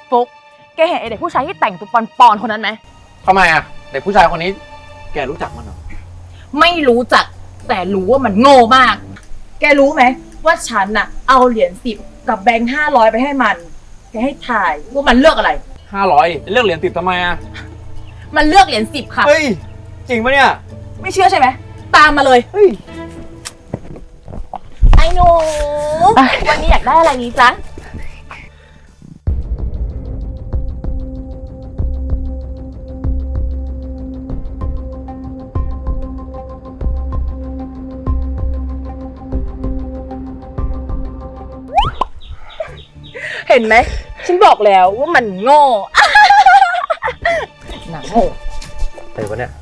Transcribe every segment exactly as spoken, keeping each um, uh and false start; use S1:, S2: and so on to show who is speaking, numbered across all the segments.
S1: ฟุกแกเห็นไอเด็กผู้ชายที่แต่งตัวปอนๆคนนั้นไหม
S2: ทำไมอ่ะเด็กผู้ชายคนนี้แกรู้จักมันเหรอ
S1: ไม่รู้จักแต่รู้ว่ามันโง่มากแกรู้ไหมว่าฉันน่ะเอาเหรียญสิบกับแบงค์ห้าร้อยไปให้มันแกให้ถ่ายว่ามันเลือกอะไร
S2: ห้าร้อยเลือกเหรียญสิบทำไมอ่ะ
S1: มันเลือกเหรียญสิบค่ะ
S2: เฮ้ยจริงปะเนี่ย
S1: ไม่เชื่อใช่ไหมตามมาเลย
S2: เฮ้ย
S1: ไอ้หนูวันนี้อยากได้อะไรนี้จ๊ะเห็นไหมฉันบอกแล้วว่ามันโง่หนังโง่
S2: อะไรวะเนี่ย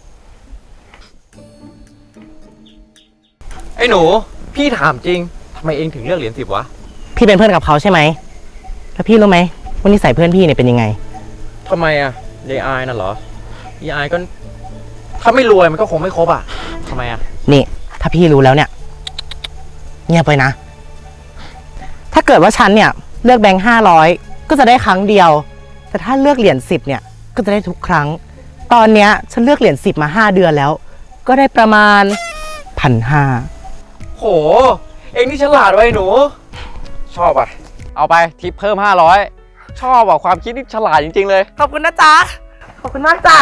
S2: ไอ้หนูพี่ถามจริงทำไมเองถึงเลือกเหรียญสิบวะ
S3: พี่เป็นเพื่อนกับเขาใช่ไหมแล้วพี่รู้ไหมว่านิสัยเพื่อนพี่เนี่ยเป็นยังไง
S2: ทำไมอ่ะยายอายน่ะเหรอยายอายก็ถ้าไม่รวยมันก็คงไม่ครบอ่ะทำไมอ่ะ
S3: นี่ถ้าพี่รู้แล้วเนี่ยเงียบไปนะถ้าเกิดว่าฉันเนี่ยเลือกแบงค์ห้าร้อยก็จะได้ครั้งเดียวแต่ถ้าเลือกเหรียญสิบเนี่ยก็จะได้ทุกครั้งตอนเนี้ยฉันเลือกเหรียญสิบมาห้าเดือนแล้วก็ได้ประมาณพันห้า
S2: โหเองนี่ฉลาดไว้หนูชอบอ่ะเอาไปทิปเพิ่มห้าร้อยชอบอ่ะความคิดนี่ฉลาดจริงๆเลย
S3: ขอบคุณนะจ๊ะขอบคุณมากจ้ะ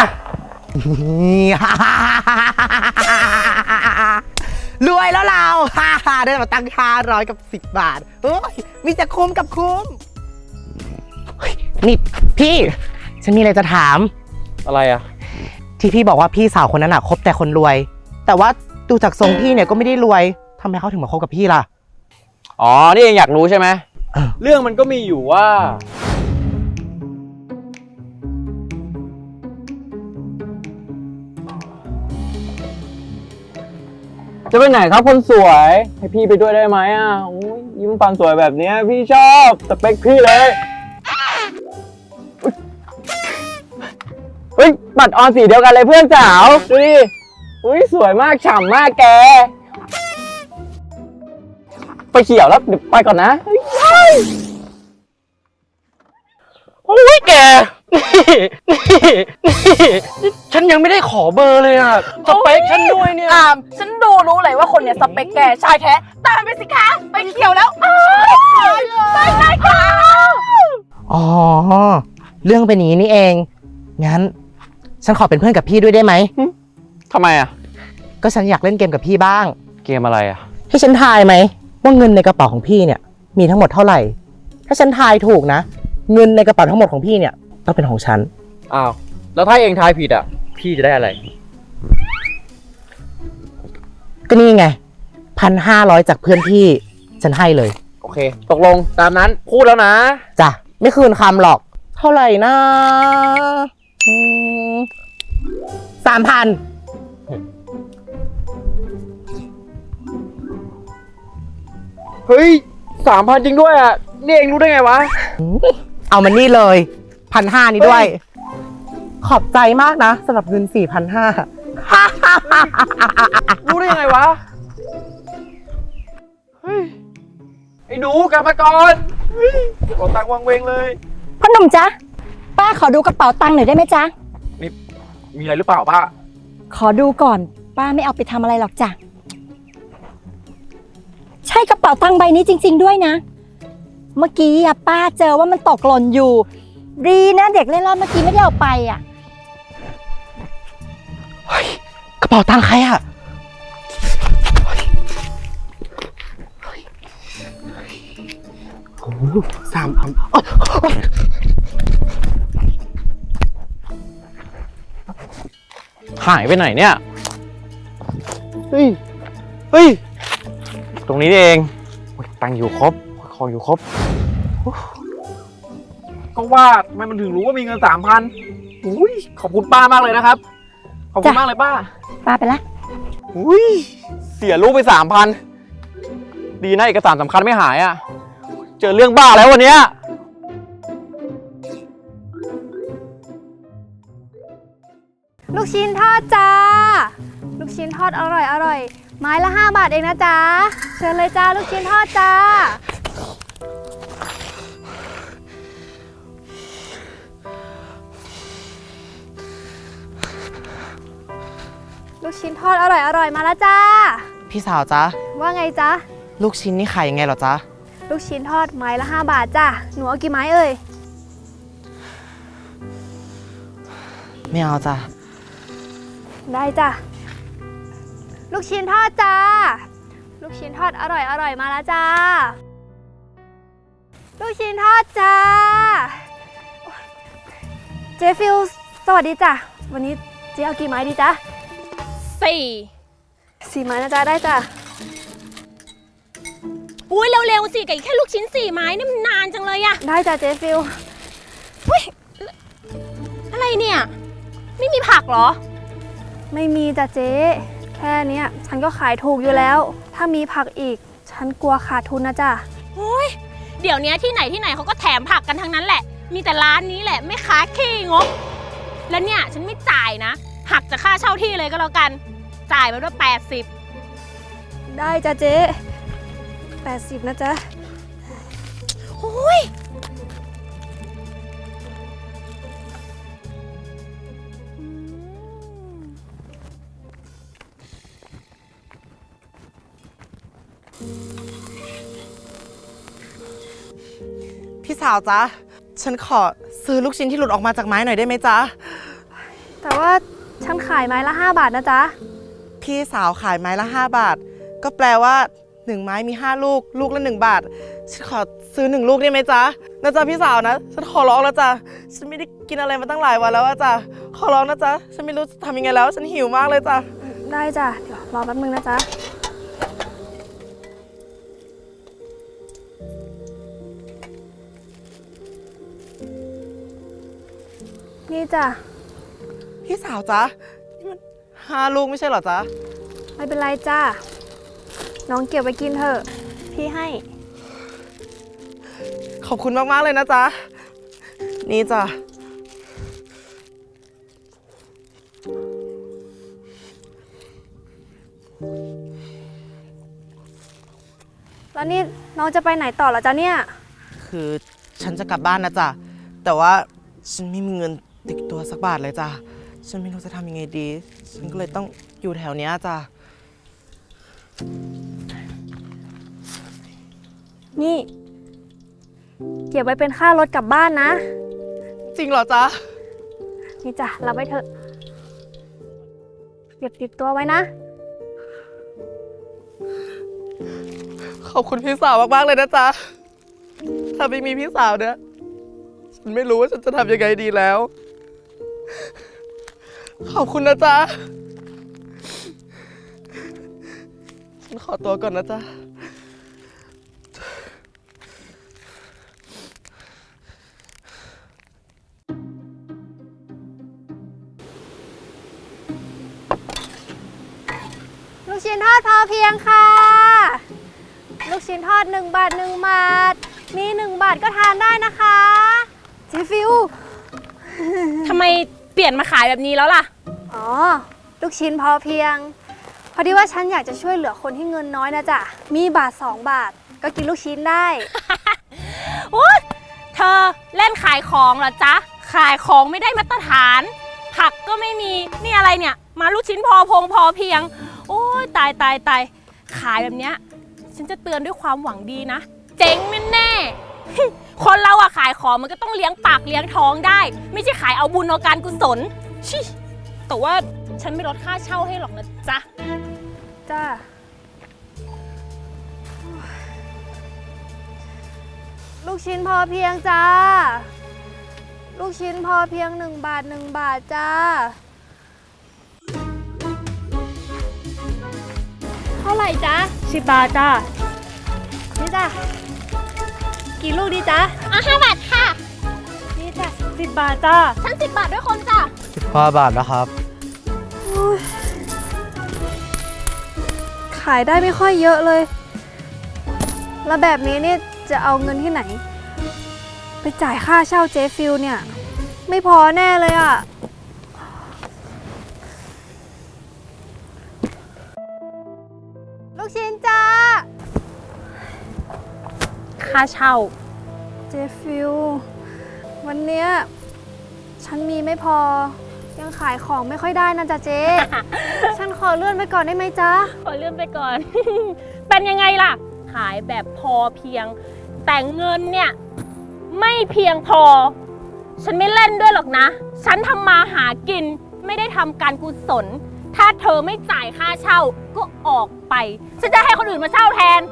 S3: รวยแล้วเราได้มาตั้งห้าร้อยกับสิบบาทเฮ้ยมีแต่คุ้มกับคุ้มนี่พี่ฉันมีอะไรจะถาม
S2: อะไรอ่ะ
S3: ที่พี่บอกว่าพี่สาวคนนั้นอ่ะคบแต่คนรวยแต่ว่าดูจากทรงพี่เนี่ยก็ไม่ได้รวยทำไมเขาถึงมาคบกับพี่ล่ะ
S2: อ๋อนี่เองอยากรู้ใช่ไหมเรื่องมันก็มีอยู่ว่าจะไปไหนครับคนสวยให้พี่ไปด้วยได้ไหมอ่ะโอ้ยยิ้มฟันสวยแบบนี้พี่ชอบสเปคพี่เลยเฮ้ยบัตรออนสีเดียวกันเลยเพื่อนสาวดูดิอุ้ยสวยมากฉ่ำมากแกไปเขียวแล้วเดี๋ยวไปก่อนนะโอ้ยแกนี่นี่นี่ฉันยังไม่ได้ขอเบอร์เลยอ่ะสเปคฉันด้วยเนี่ย
S1: อามฉันดูรู้เลยว่าคนเนี่ยสเปคแกชายแท้ตามไปสิคะไปเขียวแล้วไปเลยค่ะ
S3: อ๋อเรื่องเป็นอย่างนี้นี่เองงั้นฉันขอเป็นเพื่อนกับพี่ด้วยได้ไหม
S2: ทำไมอ่ะ
S3: ก็ฉันอยากเล่นเกมกับพี่บ้าง
S2: เกมอะไรอ่ะ
S3: ให้ฉันทายไหมว่าเงินในกระเป๋าของพี่เนี่ยมีทั้งหมดเท่าไหร่ถ้าฉันทายถูกนะเงินในกระเป๋าทั้งหมดของพี่เนี่ยต้องเป็นของฉัน
S2: อ้าวแล้วถ้าเองทายผิดอ่ะพี่จะได้อะไร
S3: ก็นี่ไงพันห้าร้อยจากเพื่อนพี่ฉันให้เลย
S2: โอเคตกลงตามนั้นพูดแล้วนะ
S3: จ้ะไม่คืนคำหรอกเท่าไหร่นะสามพัน
S2: เฮ้ยสามพันจริงด้วยอ่ะนี่เองรู้ได้ไงวะ
S3: เอามันนี่เลยพันห้านี้ด้วยขอบใจมากนะสำหรับเงินสี่พันห้า
S2: รู้ได้ยังไงวะเฮ้ยไอ้หนูกลับมาก่อนกดตังค์วางเวงเลย
S4: พ่อหนุ่มจ๊ะป้าขอดูกระเป๋าตังค์หน่อยได้ไหมจ๊ะ
S2: นี่มีอะไรหรือเปล่าป้า
S4: ขอดูก่อนป้าไม่เอาไปทำอะไรหรอกจ้ะใช่กระเป๋าตังค์ใบนี้จริงๆด้วยนะเมื่อกี้อะป้าเจอว่ามันตกหล่นอยู่ดีนะเด็กเล่นรอดเมื่อกี้ไม่ได้เอาไปอ่ะ
S3: เฮ้ยกระเป๋าตังค์ใครอ่ะโอ้สามพัน
S2: หายไปไหนเนี่ยเฮ้ยเฮ้ยตรงนี้เองตังค์อยู่ครบของอยู่ครบก็ว่าทำไมมันถึงรู้ว่ามีเงินสามพันอุ้ยขอบคุณป้ามากเลยนะครับขอบคุณมากเลยป้า
S4: ป้าไปละ
S2: อุ้ยเสียลูกไปสามพันดีนะเอกสารสำคัญไม่หายอ่ะเจอเรื่องบ้าแล้ววันนี้
S5: ลูกชิ้นทอดจ้าลูกชิ้นทอดอร่อยอร่อยไม้ละห้าบาทเองนะจ๊ะเชิญเลยจ้าลูกชิ้นทอดจ้าลูกชิ้นทอดอร่อยอร่อยมาแล้วจ้า
S3: พี่สาวจ๊ะ
S5: ว่าไงจ๊ะ
S3: ลูกชิ้นนี่ขายยังไงเหรอจ๊ะ
S5: ลูกชิ้นทอดไม้ละห้าบาทจ้ะ หนูเอากี่ไม้เอ่ย
S3: ไม่เอาจ้ะ
S5: ได้จ้ะ ลูกชิ้นทอดจ้า ลูกชิ้นทอดอร่อยอร่อยมาแล้วจ้า ลูกชิ้นทอดจ้า เจฟิลสวัสดีจ้ะ วันนี้เจ๊เอากี่ไม้ดีจ๊ะ
S6: สี่
S5: สี่ไม้นะจ๊ะ ได้จ้ะ
S6: อุ้ยเร็วๆสิกับอีกแค่ลูกชิ้นสี่ไม้นี่มันนานจังเลยอะ
S5: ได้จ้ะเจฟิล
S6: อะไรเนี่ย ไม่มีผักเหรอ
S5: ไม่มีจ้ะเจ๊แค่เนี้ยฉันก็ขายถูกอยู่แล้ว ถ้ามีผักอีก ฉันกลัวขาดทุนนะจ๊ะ
S6: โอ้ยเดี๋ยวนี้ที่ไหนที่ไหนเขาก็แถมผักกันทั้งนั้นแหละ มีแต่ร้านนี้แหละไม่ค้าขี้งกแล้วเนี่ยฉันไม่จ่ายนะ หักจากค่าเช่าที่เลยก็แล้วกัน จ่ายมาด้วยแปดสิบ
S5: ได้จ้ะเจ๊แปดสิบนะจ๊ะ
S6: โอ้ย
S3: พี่สาวจ๊ะ ฉันขอซื้อลูกชิ้นที่หลุดออกมาจากไม้หน่อยได้ไหมจ๊ะ
S5: แต่ว่าฉันขายไม้ละห้าบาทนะจ๊ะ
S3: พี่สาวขายไม้ละห้าบาท ก็แปลว่าหนึ่งไม้มีห้าลูก ลูกละหนึ่งบาท ฉันขอซื้อหนึ่งลูกได้ไหมจ๊ะนะจ๊ะพี่สาวนะ ฉันขอร้องแล้วจ้ะ ฉันไม่ได้กินอะไรมาตั้งหลายวันแล้วอะจ้ะ ขอร้องนะจ๊ะ ฉันไม่รู้จะทำยังไงแล้ว ฉันหิวมากเลยจ้ะ
S5: ได้จ้ะ เดี๋ยวรอแป๊บนึงนะจ๊ะ นี่จ้ะ
S3: พี่สาวจ๊ะ นี่มันห้าลูกไม่ใช่เหรอจ๊ะ
S5: ไม่เป็นไรจ้ะ น้องเก็บไว้กินเถอะ พี่ให้
S3: ขอบคุณมากๆเลยนะจ๊ะ นี่จ้ะ
S5: แล้วนี่น้องจะไปไหนต่อเหรอจ๊ะเนี่ย
S3: คือฉันจะกลับบ้านนะจ๊ะ แต่ว่าฉันไม่มีเงินติดตัวสักบาทเลยจ้ะ ฉันไม่รู้จะทำยังไงดี ฉันก็เลยต้องอยู่แถวเนี้ยจ้ะ
S5: นี่ เก็บไว้เป็นค่ารถกลับบ้านนะ
S3: จริงเหรอจ๊ะ
S5: นี่จ้ะรับไว้เถอะ เก็บติดตัวไว้นะ
S3: ขอบคุณพี่สาวมากๆเลยนะจ๊ะ ถ้าไม่มีพี่สาวเนี่ย ฉันไม่รู้ว่าฉันจะทำยังไงดีแล้ว ขอบคุณนะจ๊ะ ฉันขอตัวก่อนนะจ๊ะ
S5: ลูกชิ้นทอดพอเพียงค่ะ ลูกชิ้นทอดหนึ่งบาทหนึ่งบาท มีหนึ่งบาทก็ทานได้นะคะเจฟิว
S6: ทำไมเปลี่ยนมาขายแบบนี้แล้วล่ะ
S5: อ๋อ ลูกชิ้นพอเพียง พอดีว่าฉันอยากจะช่วยเหลือคนที่เงินน้อยนะจ๊ะ มีบาทสองบาท ก็กินลูกชิ้นได้
S6: โอ๊ยเธอเล่นขายของเหรอจ๊ะ ขายของไม่ได้มาตรฐาน ผักก็ไม่มี นี่อะไรเนี่ย มาลูกชิ้นพอพงพอเพียง โอ้ยตายตายตายขายแบบเนี้ย ฉันจะเตือนด้วยความหวังดีนะ เจ๊งแน่ๆ คนเราอะขายของมันก็ต้องเลี้ยงปากเลี้ยงท้องได้ ไม่ใช่ขายเอาบุญเอาการกุศลชิแต่ว่าฉันไม่ลดค่าเช่าให้หรอกนะจ๊ะ
S5: จ้า ลูกชิ้นพอเพียงจ้า ลูกชิ้นพอเพียงหนึ่งบาทหนึ่งบาทจ้า เท่าไหร่จ๊ะ
S6: สิบบาทจ้า
S5: นี่จ้ะ กี่ลูกดีจ๊ะ
S6: อ่ะห้าบาทค่ะ
S5: นี่จ้ะ
S6: สิบบาทจ้าฉันสิบบาทด้วยคนจ้ะ
S2: สิบห้าบาทนะครับ
S5: ขายได้ไม่ค่อยเยอะเลย แล้วแบบนี้เนี่ยจะเอาเงินที่ไหน ไปจ่ายค่าเช่าเจฟิลเนี่ย ไม่พอแน่เลยอ่ะ ลูกชิ้นจ้า
S6: ค่าเช่า
S5: เจฟิลวันเนี้ยฉันมีไม่พอยังขายของไม่ค่อยได้นะจ๊ะเจ๊ ฉันขอเลื่อนไปก่อนได้ไหมจ๊ะ
S6: ขอเลื่อนไปก่อน เป็นยังไงล่ะ ขายแบบพอเพียง แต่เงินเนี่ยไม่เพียงพอ ฉันไม่เล่นด้วยหรอกนะ ฉันทำมาหากินไม่ได้ทำการกุศล ถ้าเธอไม่จ่ายค่าเช่าก็ออกไป ฉันจะให้คนอื่นมาเช่าแทน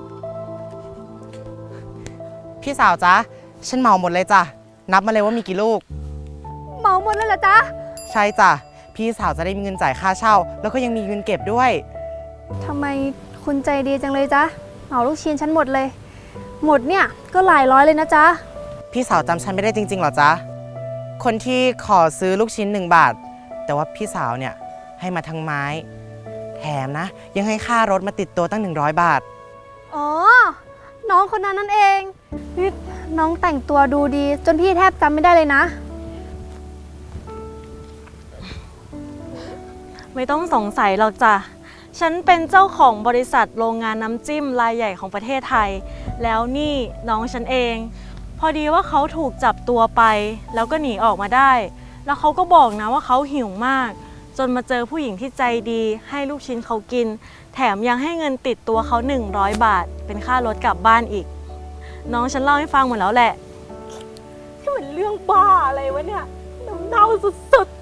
S3: พี่สาวจ๊ะ ฉันเหมาหมดเลยจ้ะ นับมาเลยว่ามีกี่ลูก
S5: เหมาหมดเลยเหรอจ๊ะ
S3: ใช่จ้ะ พี่สาวจะได้มีเงินจ่ายค่าเช่า แล้วก็ยังมีเงินเก็บด้วย
S5: ทำไมคุณใจดีจังเลยจ๊ะ เหมาลูกชิ้นฉันหมดเลย หมดเนี่ยก็หลายร้อยเลยนะจ๊ะ
S3: พี่สาวจำฉันไม่ได้จริงๆหรอจ๊ะ คนที่ขอซื้อลูกชิ้นหนึ่งบาท แต่ว่าพี่สาวเนี่ยให้มาทั้งไม้ แถมนะ ยังให้ค่ารถมาติดตัวตั้งหนึ่งร้อยบาท
S5: อ๋อ น้องคนนั้นนั่นเองนี่น้องแต่งตัวดูดี จนพี่แทบจำไม่ได้เลยนะ
S7: ไม่ต้องสงสัยหรอกจ้ะ ฉันเป็นเจ้าของบริษัทโรงงานน้ำจิ้มรายใหญ่ของประเทศไทย แล้วนี่น้องฉันเอง พอดีว่าเขาถูกจับตัวไป แล้วก็หนีออกมาได้ แล้วเขาก็บอกนะว่าเขาหิวมาก จนมาเจอผู้หญิงที่ใจดีให้ลูกชิ้นเขากิน แถมยังให้เงินติดตัวเขาหนึ่งร้อยบาท เป็นค่ารถกลับบ้านอีก น้องฉันเล่าให้ฟังหมดแล้วแหละที่มันเรื่องบ้าอะไรวะเนี่ยน้ำเน่าสุด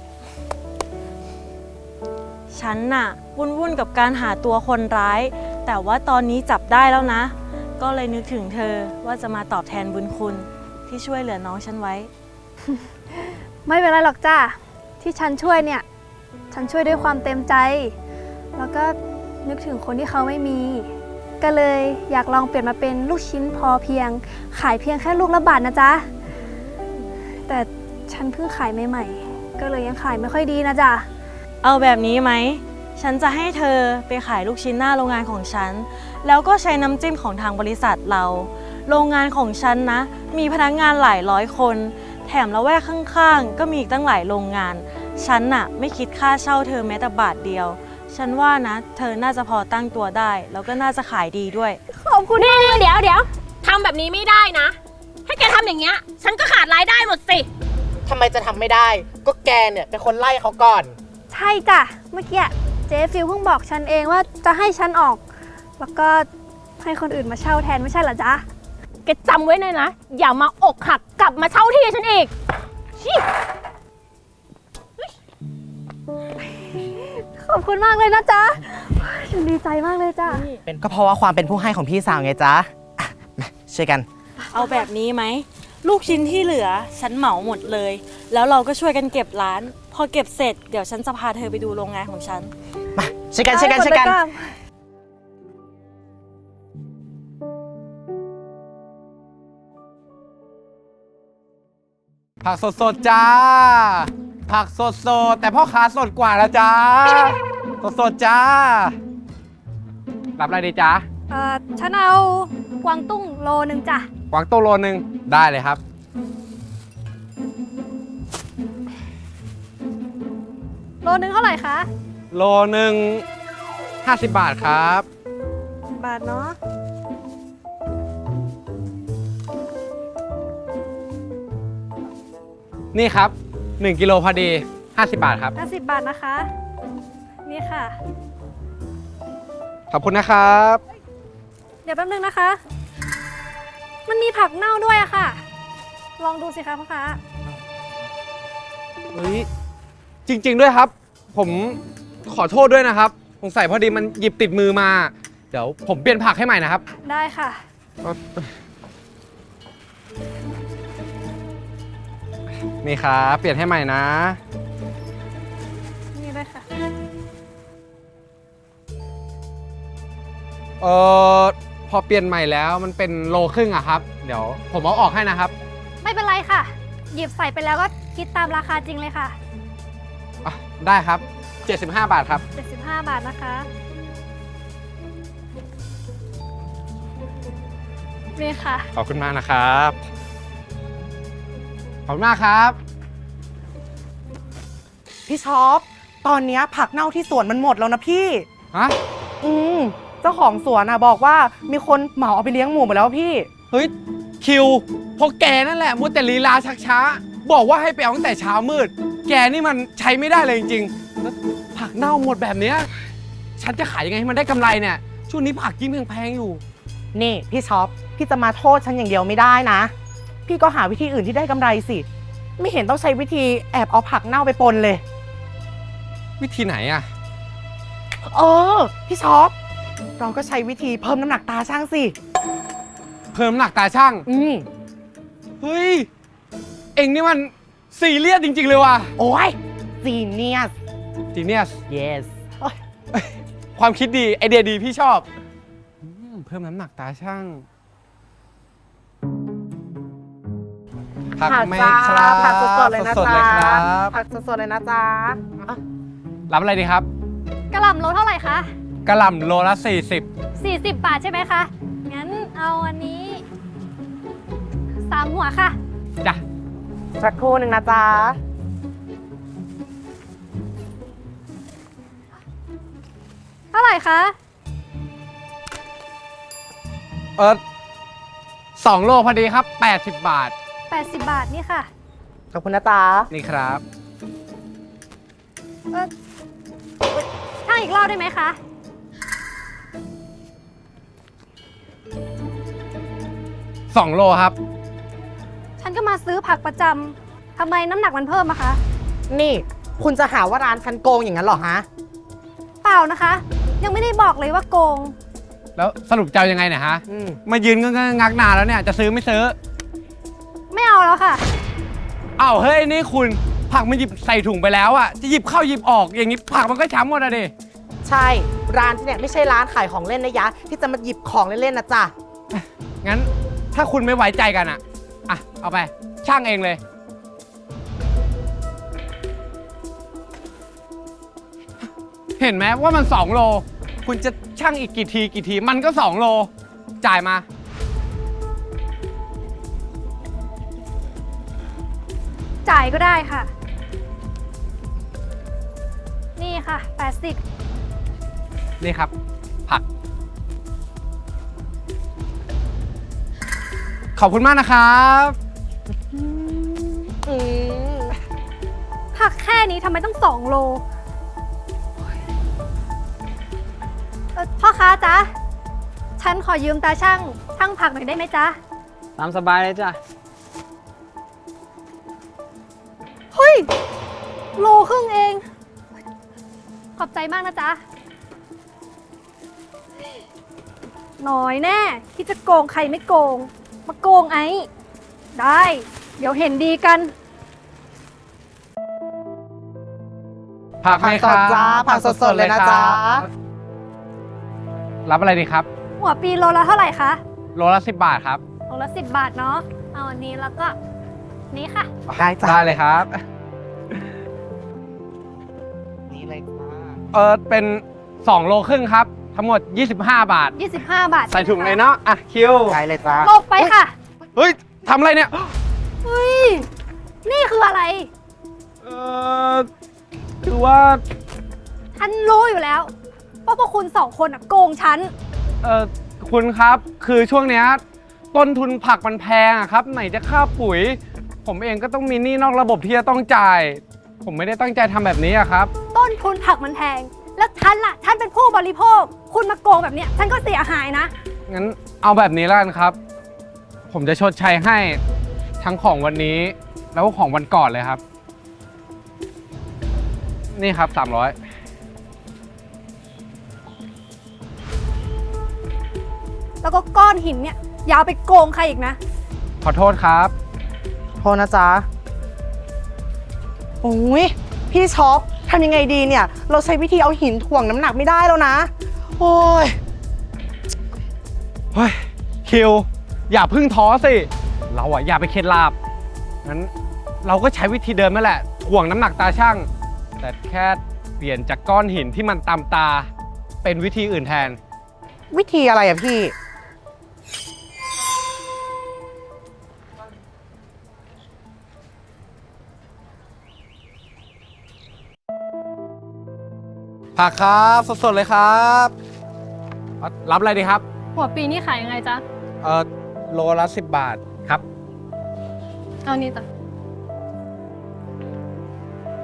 S7: ๆ ฉันน่ะวุ่นๆกับการหาตัวคนร้าย แต่ว่าตอนนี้จับได้แล้วนะ ก็เลยนึกถึงเธอว่าจะมาตอบแทนบุญคุณที่ช่วยเหลือน้องฉันไว้
S5: ไม่เป็นไรหรอกจ้าที่ฉันช่วยเนี่ย ฉันช่วยด้วยความเต็มใจ แล้วก็นึกถึงคนที่เขาไม่มี ก็เลยอยากลองเปลี่ยนมาเป็นลูกชิ้นพอเพียง ขายเพียงแค่ลูกละบาทนะจ๊ะ แต่ฉันเพิ่งขายใหม่ๆก็เลยยังขายไม่ค่อยดีนะจ๊ะ
S7: เอาแบบนี้ไหม ฉันจะให้เธอไปขายลูกชิ้นหน้าโรงงานของฉัน แล้วก็ใช้น้ำจิ้มของทางบริษัทเรา โรงงานของฉันนะ มีพนักงานหลายร้อยคน แถมละแวกข้างๆ ก็มีอีกตั้งหลายโรงงาน ฉันน่ะไม่คิดค่าเช่าเธอแม้แต่บาทเดียว ฉันว่านะ เธอน่าจะพอตั้งตัวได้ แล้วก็น่าจะขายดีด้วย
S5: ขอบคุณ
S6: นี่นี่เดี๋ยวเดี๋ยวทำแบบนี้ไม่ได้นะ ให้แกทำอย่างเงี้ย ฉันก็ขาดรายได้หมดสิ
S3: ทำไมจะทำไม่ได้ ก็แกเนี่ยเป็นคนไล่เขาก่อน
S5: ใช่จ้ะ เมื่อกี้เจ๊ฟิลเพิ่งบอกฉันเองว่าจะให้ฉันออก แล้วก็ให้คนอื่นมาเช่าแทนไม่ใช่เหรอจ๊ะ
S6: แกจำไว้เลยนะ อย่ามาอกหักกลับมาเช่าที่ฉันอีกชิ
S5: ขอบคุณมากเลยนะจ๊ะ ฉันดีใจมากเลยจ้ะ
S3: เป็นก็เพราะว่าความเป็นผู้ให้ของพี่สาวไงจ๊ะอ่ะมาช่วยกัน
S7: เอาแบบนี้ไหม ลูกชิ้นที่เหลือฉันเหมาหมดเลย แล้วเราก็ช่วยกันเก็บร้าน พอเก็บเสร็จเดี๋ยวฉันจะพาเธอไปดูโรงงานของฉัน
S3: มาช่วยกันช่วยกันช่วยกัน
S2: ผักสดๆจ้า ผักสดๆแต่พ่อค้าสดกว่านะจ้า สดๆจ้า รับอะไรดีจ้า
S5: เอ่อ ฉันเอากวางตุ้งโลนึงจ้ะ
S2: กวางตุ้งโลนึงได้เลยครับ
S5: โลนึงเท่าไหร่คะ
S2: โลหนึ่งห้าสิบบาทครับ
S5: บาทเนาะ
S2: นี่ครับหนึ่งกิโลพอดีห้าสิบบาทครับ
S5: ห้าสิบบาทนะคะ นี่ค่ะ
S2: ขอบคุณนะครับ
S5: เดี๋ยวแป๊บนึงนะคะ มันมีผักเน่าด้วยอะค่ะ ลองดูสิคะพ่อค้า
S2: เฮ้ยจริง ๆด้วยครับ ผมขอโทษด้วยนะครับสงสัยพอดีมันหยิบติดมือมา เดี๋ยวผมเปลี่ยนผักให้ใหม่นะครับ
S5: ได้ค่ะ
S2: นี่ครับเปลี่ยนให้ใหม่นะ
S5: นี่ด้วยค่ะ
S2: เออพอเปลี่ยนใหม่แล้วมันเป็นโลครึ่งอะครับ เดี๋ยวผมเอาออกให้นะครับ
S5: ไม่เป็นไรค่ะ หยิบใส่ไปแล้วก็คิดตามราคาจริงเลยค่ะ
S2: อ่ะได้ครับเจ็ดสิบห้าบาทครับ
S5: เจ็ดสิบห้าบาทนะคะ นี่ค่ะ
S2: ขอบคุณมากนะครับ ขอบคุณมากครับ
S3: พี่ช็อป ตอนเนี้ยผักเน่าที่สวนมันหมดแล้วนะพี่
S2: ฮะ
S3: อืมเจ้าของสวนนะบอกว่ามีคนเหมาเอาไปเลี้ยงหมูหมดแล้วพี่
S2: เฮ้ยคิวพวกแกนั่นแหละมัวแต่ลีลาชักช้า บอกว่าให้ไปเอาตั้งแต่เช้ามืดแกนี่มันใช้ไม่ได้เลยจริงๆแล้วผักเน่าหมดแบบเนี้ยฉันจะขายยังไงให้มันได้กำไรเนี่ยช่วงนี้ผักยิ่งแพงๆอยู่
S3: นี่พี่ช็อป พี่จะมาโทษฉันอย่างเดียวไม่ได้นะ พี่ก็หาวิธีอื่นที่ได้กำไรสิ ไม่เห็นต้องใช้วิธีแอบเอาผักเน่าไปปนเลย
S2: วิธีไหนอะ
S3: เออ พี่ช็อป เราก็ใช้วิธีเพิ่มน้ำหนักตาช่างสิ
S2: เพิ่มน้ำหนักตาช่าง
S3: อืม
S2: เฮ้ย เอ็งนี่มันซีเรียสจริง ๆ เลยว่ะ
S3: โอ้ยซีเนียส
S2: จีเนียส
S3: yes
S2: ความคิดดี ไอเดียดีพี่ชอบอืมเพิ่มน้ำหนักตาช่างผักไหมครับ
S3: ผักสดๆเลยนะ
S2: สดๆ
S3: จ๊ะ
S2: เลยครับ
S3: ผักสดๆเลยนะจ๊ะอ่ะ
S2: รับอะไรดีครับ
S5: กระหล่ำโลเท่าไหร่คะ
S2: กระหล่ำโลละสี่สิบ
S5: 40 บาทใช่ไหมคะ งั้นเอาอันนี้สามหัวค่ะ
S2: จ้ะ
S3: สักครู่หนึ่งนะจ๊ะ
S5: เท่าไหร่คะ
S2: เออสองโลพอดีครับแปดสิบบาท
S5: 80 บาทนี่ค่ะ
S3: ขอบคุณนะจ๊ะ
S2: นี่ครับ
S5: เออช่างอีกรอบได้ไหมคะ
S2: สองโลครับ
S5: ฉันก็มาซื้อผักประจำทำไมน้ำหนักมันเพิ่มอะคะ
S3: นี่คุณจะหาว่าร้านฉันโกงอย่างนั้นเหรอฮะ
S5: เปล่านะคะ ยังไม่ได้บอกเลยว่าโกง
S2: แล้วสรุปจะเอายังไงเนี่ยฮะ
S3: อืม
S2: มายืนงงักๆนานแล้วเนี่ย จะซื้อไม่ซื้อ
S5: ไม่เอาแล้วค่ะ
S2: อ้าวเฮ้ยนี่คุณผักมันหยิบใส่ถุงไปแล้วอะจะหยิบเข้าหยิบออกอย่างนี้ผักมันก็ช้ำหมดอะดิ
S3: ใช่ ร้านที่เนี่ยไม่ใช่ร้านขายของเล่นนะยะ ที่จะมาหยิบของเล่นๆนะจ๊ะ
S2: งั้นถ้าคุณไม่ไว้ใจกันอะอ่ะเอาไปช่างเองเลย เห็นไหมว่ามันสองโล คุณจะช่างอีกกี่ทีกี่ทีมันก็สองโล จ่ายมา
S5: จ่ายก็ได้ค่ะ นี่ค่ะ แปดสิบ
S2: นี่ครับ ผัก ขอบคุณมากนะครับ
S3: อืม
S5: ผักแค่นี้ทำไมต้องสองโลเอ่อพ่อค้าจ๊ะ ฉันขอยืมตาช่างช่างผักหน่อยได้ไหมจ๊ะ
S8: ตามสบายเลยจ้ะ
S5: เฮ้ย โลครึ่งเอง ขอบใจมากนะจ๊ะ น้อยแน่ที่จะโกงใครไม่โกง มาโกงไอ้ ได้ เดี๋ยวเห็นดีกัน
S2: ผักไหม
S3: ผัก
S2: ค
S3: ส
S2: รั
S3: ด
S2: บ
S3: จ้าผักสดๆเลยนะจ๊ะ
S2: รับอะไรดีครับ
S5: หัวปีโลละเท่าไหร่คะ
S2: โลละสิบบาทครับ
S5: โลละสิบบาทเนาะ เอาอันนี้แล้วก็ นี้ค่ะ
S3: ได้จ้ะ
S2: ได้เลยครับ
S3: นี่เลยจ้า
S2: เออเป็นสองโลครึ่งครับ ทั้งหมดยี่สิบห้าบาท
S5: ยี่สิบห้า บาท
S2: ใส่ถุงเลยเนาะ อ่ะ คิว
S3: ได้เลยจ้า
S5: ลบไปค่ะ
S2: เฮ้ยทำอะไรเนี่ย
S5: เฮ้ย นี่คืออะไร
S2: เออคือว่า
S5: ฉันรู้อยู่แล้วว่าพวกคุณสองคนอะโกงฉัน
S2: เออคุณครับ คือช่วงเนี้ยต้นทุนผักมันแพงอะครับ ไหนจะค่าปุ๋ย ผมเองก็ต้องมีหนี้นอกระบบที่จะต้องจ่าย ผมไม่ได้ตั้งใจทำแบบนี้อะครับ
S5: ต้นทุนผักมันแพง แล้วฉันล่ะ ฉันเป็นผู้บริโภค คุณมาโกงแบบเนี้ย ฉันก็เสียหายนะ
S2: งั้นเอาแบบนี้แล้วกันครับ ผมจะชดใช้ให้ทั้งของวันนี้ แล้วก็ของวันก่อนเลยครับ นี่ครับสามร้อย
S5: แล้วก็ก้อนหินเนี่ยอยาวไปโกงใครอีกนะ
S2: ขอโทษครับ
S3: โทษนะจ๊ะ โอ้ยพี่ช็อปทำยังไงดีเนี่ย เราใช้วิธีเอาหินถ่วงน้ำหนักไม่ได้แล้วนะ โอ้ย
S2: เฮ้ย คิว อย่าเพึ่งท้อสิ เราอะอย่าไปเคล็ดลาบ งั้นเราก็ใช้วิธีเดิมนั่นแหละ ถ่วงน้ำหนักตาช่าง แต่แค่เปลี่ยนจากก้อนหินที่มันตามตา เป็นวิธีอื่นแทน
S3: วิธีอะไรอะพี่
S2: ผักครับ สดๆเลยครับเอารับอะไรดีครับ
S9: หัวปีนี่ขายยังไงจ๊ะ
S2: เออโลละสิบบาทครับ
S9: เอานี่จ้ะ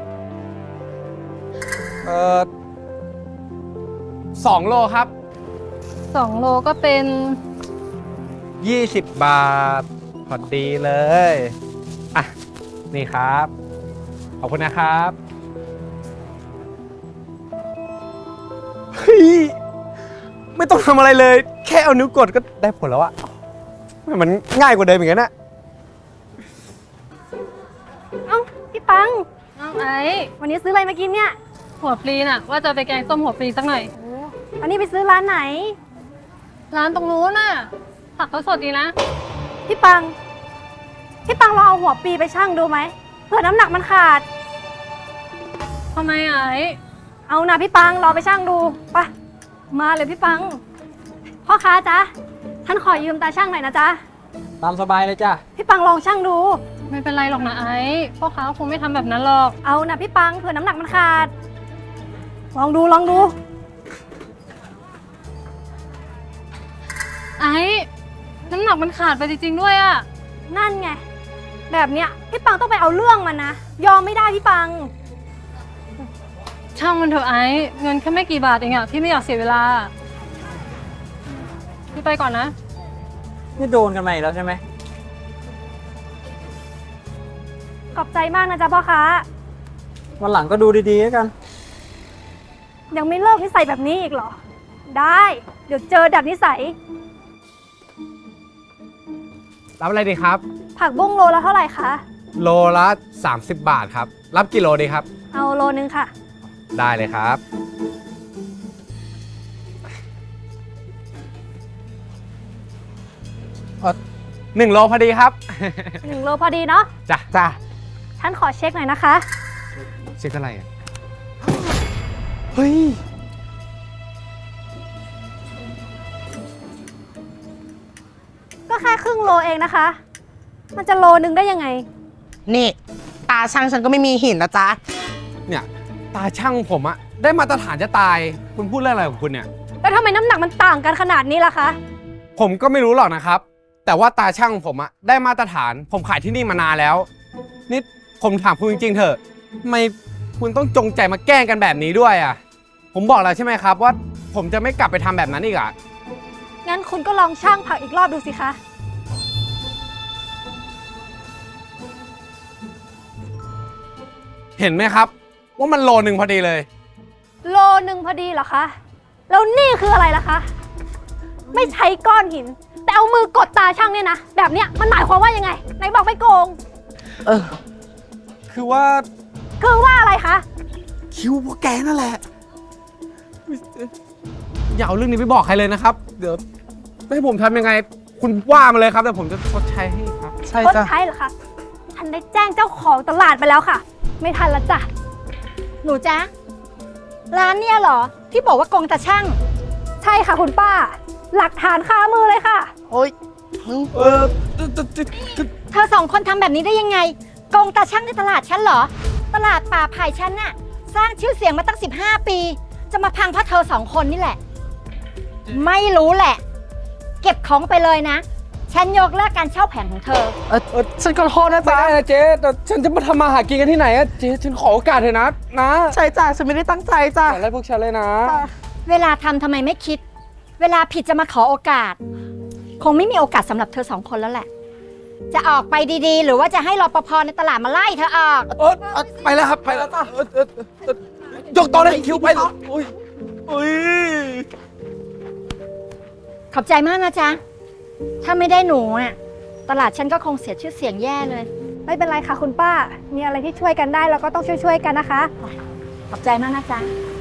S2: เอ่อสองโลครับ
S5: สองโลก็เป็น
S2: ยี่สิบบาท พอดีเลย อ่ะ นี่ครับ ขอบคุณนะครับ เฮ้ย ไม่ต้องทำอะไรเลย แค่เอานิ้วกดก็ได้ผลแล้วอะมันง่ายกว่าเดิมอย่างนั้นอะ
S5: เอ้า พี่ปัง
S9: น้องไอ้
S5: วันนี้ซื้ออะไรมากินเนี่ย
S9: หัวปลีน่ะ ว่าจะไปแกงส้มหัวปลีสักหน่อย
S5: อันนี้ไปซื้อร้านไหน
S9: ร้านตรงนู้นน่ะผักเขาสดดีนะ
S5: พี่ปัง พี่ปังลองเอาหัวปีไปชั่งดูไหมเผื่อน้ำหนักมันขาด
S9: ทำไมไอ้
S5: เอานะพี่ปังรอไปชั่งดูไปมาเลยพี่ปัง พ่อค้าจ๊ะฉันขอยืมตาช่างหน่อยนะจ๊ะ
S8: ตามสบายเลยจ้ะ
S5: พี่ปังลองชั่งดู
S9: ไม่เป็นไรหรอกนะไอ้พ่อค้าคงไม่ทำแบบนั้นหรอก
S5: เอานะพี่ปังเผื่อน้ำหนักมันขาด ลองดูลองดู
S9: ไอ้น้ำหนักมันขาดไปจริงๆด้วยอะ
S5: นั่นไง แบบเนี้ยพี่ปังต้องไปเอาเรื่องมันนะ ยอมไม่ได้พี่ปัง
S9: ช่างมันเถอะไอ้เงินแค่ไม่กี่บาทเองอะพี่ไม่อยากเสียเวลาพี่ไปก่อนนะ
S8: นี่โดนกันมาอีกแล้วใช่ไหม
S5: ขอบใจมากนะจ๊ะพ่อค้า
S8: วันหลังก็ดูดีๆแล้วกัน
S5: ยังไม่เลิกนิสัยแบบนี้อีกเหรอ ได้ เดี๋ยวเจอดัดนิสัย
S2: รับอะไรดีครับ
S5: ผักบุ้งโลละเท่าไหร่คะ
S2: โลละสามสิบบาทครับ รับกี่โลดีครับ
S5: เอาโลนึงค่ะ
S2: ได้เลยครับเอ่อหนึ่งโลพอดีครับ
S5: หนึ่งโลพอดีเนาะ
S2: จ้ะ
S3: จ้ะ
S5: ฉันขอเช็คหน่อยนะคะ
S2: เช็คอะไรอ่ะ เฮ้ย
S5: ก็แค่ครึ่งโลเองนะคะ มันจะโลนึงได้ยังไง
S3: นี่ตาช่างฉันก็ไม่มีหินนะจ๊ะ
S2: เนี่ย ตาช่างผมอะได้มาตรฐานจะตาย คุณพูดเรื่องอะไรของคุณเนี่ย
S5: แล้วทำไมน้ำหนักมันต่างกันขนาดนี้ล่ะคะ
S2: ผมก็ไม่รู้หรอกนะครับ แต่ว่าตาช่างผมอะได้มาตรฐาน ผมขายที่นี่มานานแล้ว นี่ผมถามคุณจริงๆเถอะทำไมคุณต้องจงใจมาแกล้งกันแบบนี้ด้วยอะผมบอกแล้วใช่ไหมครับว่าผมจะไม่กลับไปทำแบบนั้นอีกอะ
S5: งั้นคุณก็ลองช่างผักอีกรอบดูสิคะ
S2: เห็นไหมครับ ว่ามันโลหนึ่งพอดีเลย
S5: โลนึงพอดีเหรอคะ แล้วนี่คืออะไรล่ะคะ ไม่ใช้ก้อนหิน แต่เอามือกดตาช่างเนี่ยนะ แบบเนี้ยมันหมายความว่ายังไง ไหนบอกไม่โกง
S3: เออ
S2: คือว่า
S5: คือว่าอะไรคะ
S2: คิวพวกแกนั่นแหละ อย่าเอาเรื่องนี้ไปบอกใครเลยนะครับ เดี๋ยวให้ผมทำยังไง คุณว่ามาเลยครับแต่ผมจะชดใช้ให้ครับ
S3: ใช่
S5: คน
S3: จ้ะ
S5: ใช้เหรอคะ ฉันได้แจ้งเจ้าของตลาดไปแล้วค่ะ ไม่ทันละจ้ะ
S4: หนูจ๊ะ ร้านเนี่ยเหรอ ที่บอกว่าโกงตาช่าง
S5: ใช่ค่ะคุณป้า หลักฐานคามือเลยค่ะ
S3: โอ๊ย
S2: เออ
S4: เธอสองคนทำแบบนี้ได้ยังไงโกงตาช่างในตลาดฉันเหรอ ตลาดป่าไผ่ฉันน่ะ สร้างชื่อเสียงมาตั้งสิบห้าปี จะมาพังเพราะเธอสองคนนี่แหละ ไม่รู้แหละ เก็บของไปเลยนะ ฉันยกเลิกการเช่าแผงของเธอ
S3: เออเออฉันขอโทษนะ
S2: ไม่
S3: จ๊ะ
S2: ได้นะเจ๊แต่ฉันจะมาทำมาหากินกันที่ไหนอะเจ๊ฉันขอโอกาสเถอะนะนะ
S3: ใช่จ้ะฉันไม่ได้ตั้งใจจ้ะ
S2: อย่าไล่พวกฉันเลยนะ
S4: เวลาทำทำไมไม่คิด เวลาผิดจะมาขอโอกาส คงไม่มีโอกาสสำหรับเธอสองคนแล้วแหละ จะออกไปดีๆ หรือว่าจะให้รปภในตลาดมาไล่เธอออก
S2: เออเออไปแล้วครับ ไปแล้วจ้ะเออเออเออเออยกโต๊ะเลยคิวไปเลยอุ้ยอุ้ย
S4: ขอบใจมากนะจ๊ะ ถ้าไม่ได้หนูอ่ะ ตลาดฉันก็คงเสียชื่อเสียงแย่เลย
S5: ไม่เป็นไรค่ะคุณป้า มีอะไรที่ช่วยกันได้เราก็ต้องช่วยๆกันนะคะ
S4: ขอบใจมากนะจ๊ะ